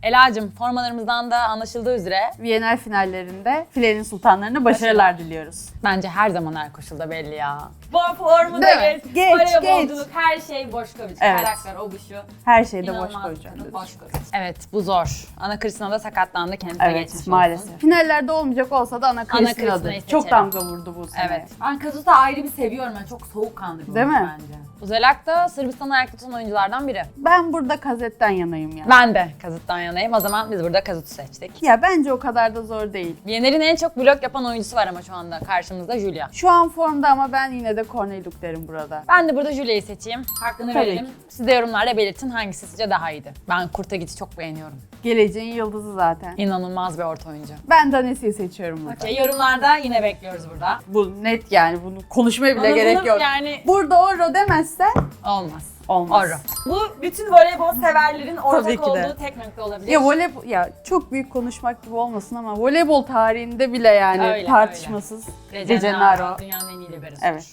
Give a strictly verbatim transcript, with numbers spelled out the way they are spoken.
Ela'cığım formalarımızdan da anlaşıldığı üzere Viyener finallerinde filenin sultanlarına başarılar diliyoruz. bence her zaman her koşulda belli ya. Bu formu da Değil mi? geç, Geç, voleybolculuk, her şey Boşkoviç. Evet. Karakter, o bu şu. Her şeyde boş İnanılmaz koyacağım. bir kadın, dedi. Boşkoviç. Evet bu zor. Ana Kristina da sakatlandı, kendisine Evet geçmiş olsun. maalesef. Finallerde olmayacak olsa da Ana Kristina'dı. Kristina'yı Çok seçelim. damga vurdu bu sene. Evet. Ben Kazut'u ayrı bir seviyorum. Ben çok soğukkanlı bir Değil oyuncu mi? bence. Uzelak da Sırbistan'ı ayakta tutan oyunculardan biri. Ben burada Kazet'ten yanayım ya. Ben de Kazut'tan yanayım. O zaman biz burada Kazut'u seçtik. Ya bence o kadar da zor değil. Viyener'in en çok blok yapan oyuncusu var ama şu anda karşımızda Julia. Şu an formda ama ben yine de Korneluk derim burada. Ben de burada Julia'yı seçeyim. Hakkını Tabii verelim. ki. Siz de yorumlarda belirtin hangisi sizce daha iyiydi. Ben Kurtagit'i çok beğeniyorum. Geleceğin yıldızı zaten. İnanılmaz bir orta oyuncu. Ben Danesi'yi seçiyorum burada. Okey, yorumlarda yine bekliyoruz burada. Bu net yani, bunu konuşmaya bile Ama gerek bunu yok. Yani Burada Orro demezsen olmaz. olmaz. Orro. Bu bütün voleybol severlerin Tabii ortak ki de. olduğu tek nokta olabilir. Ya voleybol, ya çok büyük konuşmak gibi olmasın ama voleybol tarihinde bile yani Öyle, tartışmasız öyle. De Gennaro. Dünyanın en iyi liberosu. Evet.